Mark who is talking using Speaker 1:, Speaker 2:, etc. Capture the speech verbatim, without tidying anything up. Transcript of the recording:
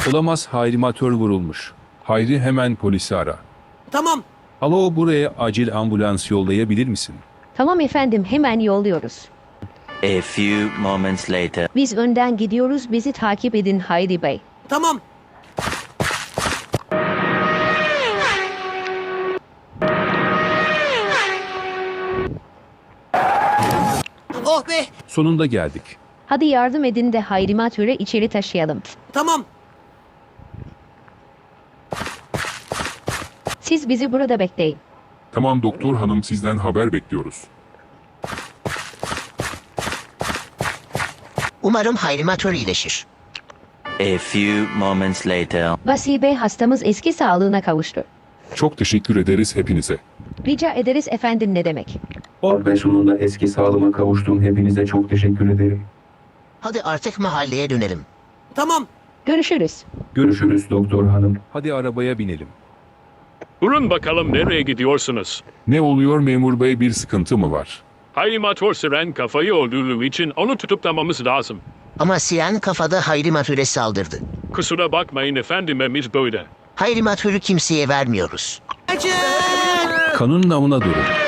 Speaker 1: Olamaz, hayrimatör vurulmuş. Hayri, hemen polisi ara.
Speaker 2: Tamam.
Speaker 1: Alo, buraya acil ambulans yollayabilir misin?
Speaker 3: Tamam efendim, hemen yolluyoruz.
Speaker 4: A few moments later.
Speaker 3: Biz önden gidiyoruz, bizi takip edin Hayri Bey.
Speaker 2: Tamam. Oh be.
Speaker 1: Sonunda geldik.
Speaker 3: Hadi yardım edin de hayrimatörü içeri taşıyalım.
Speaker 2: Tamam.
Speaker 3: Siz bizi burada bekleyin.
Speaker 5: Tamam doktor hanım, sizden haber bekliyoruz.
Speaker 6: Umarım hayrimatör iyileşir.
Speaker 4: A few moments later.
Speaker 3: Vasfi Bey, hastamız eski sağlığına kavuştu.
Speaker 5: Çok teşekkür ederiz hepinize.
Speaker 3: Rica ederiz efendim, ne demek.
Speaker 7: Oh be, sonunda eski sağlığıma kavuştum. Hepinize çok teşekkür ederim.
Speaker 6: Hadi artık mahalleye dönelim.
Speaker 2: Tamam.
Speaker 3: Görüşürüz.
Speaker 7: Görüşürüz doktor hanım.
Speaker 1: Hadi arabaya binelim.
Speaker 8: Durun bakalım, nereye gidiyorsunuz?
Speaker 5: Ne oluyor memur bey, bir sıkıntı mı var?
Speaker 8: Hayrimatör Siren kafayı öldürdüğü için onu tutuklamamız lazım.
Speaker 6: Ama Siren kafada hayrimatöre saldırdı.
Speaker 8: Kusura bakmayın efendim, emir böyle.
Speaker 6: Hayrimatörü kimseye vermiyoruz.
Speaker 2: Acı.
Speaker 1: Kanun namına durun.